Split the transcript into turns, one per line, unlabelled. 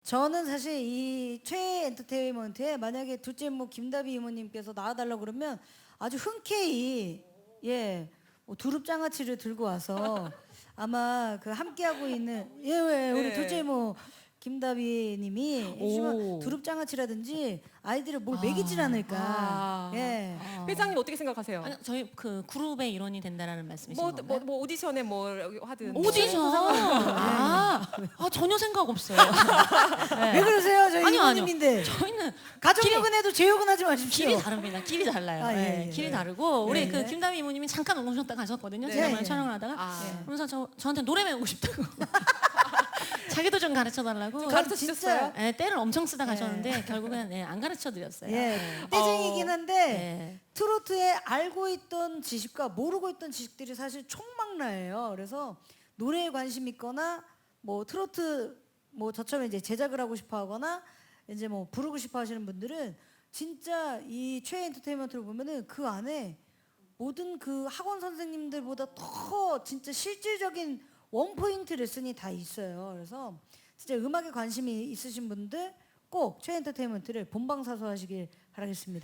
저는 사실 이 최애 엔터테인먼트에 만약에 둘째 뭐 김다비 이모님께서 나와달라고 그러면 아주 흔쾌히 뭐 두릅 장아찌를 들고 와서 아마 그 함께하고 있는 왜 우리
네.
둘째 뭐 김다비님이 해주시면 두릅 장아찌라든지 아이들을 뭘 먹이질 않을까. 예.
회장님 어떻게 생각하세요?
아니, 저희 그 그룹의 일원이 된다라는 말씀이신 건가요?
뭐 오디션에 뭐 하든
오디션. 전혀 생각 없어요. 네.
왜 그러세요? 저희
아니요, 아니요.
이모님인데.
저희는
가족력은 해도 제욕은 하지 마십시오.
길이 다릅니다. 길이 달라요.
아, 예,
네,
예.
길이 다르고 우리
네.
그 김다미 이모님이 잠깐 오셨다 가셨거든요.
네.
지난번에
네.
촬영을 하다가
아.
그러면서 저한테 노래 배우고 싶다고. 자기도 좀 가르쳐 달라고.
가르쳐
진짜.
주셨어요?
네, 때를 엄청 쓰다 가셨는데 결국엔 안 가르쳐 드렸어요.
예, 떼쟁이긴 한데
네.
트로트에 알고 있던 지식과 모르고 있던 지식들이 사실 총망라예요. 그래서 노래에 관심 있거나 뭐 트로트 뭐 저처럼 이제 제작을 하고 싶어하거나 이제 뭐 부르고 싶어하시는 분들은 진짜 이 최애 엔터테인먼트를 보면은 그 안에 모든 그 학원 선생님들보다 더 진짜 실질적인 원포인트 레슨이 다 있어요. 그래서 진짜 음악에 관심이 있으신 분들 꼭 최애 엔터테인먼트를 본방사수하시길 바라겠습니다.